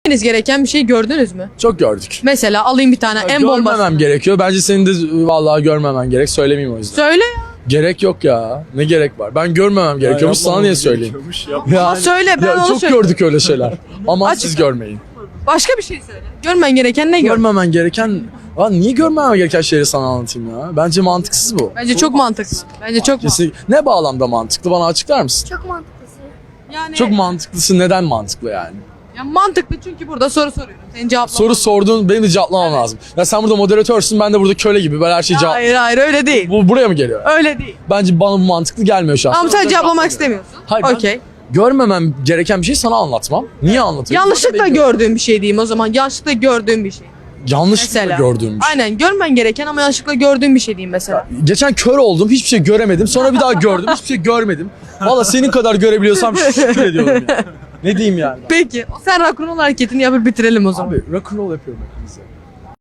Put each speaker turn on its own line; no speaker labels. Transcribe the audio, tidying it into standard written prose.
gereken bir şey gördünüz mü?
Çok gördük.
Mesela alayım bir tane en bombası.
Görmemem gerekiyor. Bence senin de vallahi görmemen gerek. Söylemeyeyim o yüzden.
Söyle ya.
Gerek yok ya. Ne gerek var? Ben görmemem gerekiyormuş. Sana niye söyleyeyim?
Ama söyle, ben onu
çok
söyleyeyim.
gördük öyle şeyler. Ama
Açık.
siz görmeyin.
Başka bir şey söyle. Görmen gereken ne gör?
Görmemen gereken... Lan niye görmemem gereken şeyleri sana anlatayım ya? Bence mantıksız bu.
Bence çok mantıklı. Bence çok mantıklı.
Kesin. Ne bağlamda mantıklı? Bana açıklar mısın?
Çok mantıklısı.
Yani,
Çok mantıklısı. Neden mantıklı yani?
ya mantıklı çünkü burada soru soruyorum. Senin cevaplaman.
Soru sorduğun benim de cevaplamam lazım. Ya sen burada moderatörsün, ben de burada köle gibi böyle her şeyi cevap...
Hayır öyle değil.
Bu buraya mı geliyor?
Öyle değil.
Bence bana bu mantıklı gelmiyor şu an.
Ama sen cevaplamak istemiyorsun.
Hayır, ben
Okey.
görmemem gereken bir şey sana anlatmam. Niye anlatıyorum?
Yanlışlıkla gördüğüm bir şey diyeyim o zaman. Yanlışlıkla gördüğüm bir şey.
Yanlışlıkla
Mesela.
gördüğüm bir şey.
Aynen, görmen gereken ama yanlışlıkla gördüğüm bir şey diyeyim mesela.
Geçen kör oldum, hiçbir şey göremedim. Sonra bir daha gördüm, hiçbir şey görmedim. Valla senin kadar görebiliyorsam şükür ediyorum ya. Ne diyeyim yani?
Peki sen rock'n'roll hareketini yapıp bitirelim o zaman.
Abi rock'n'roll yapıyorum hepimize.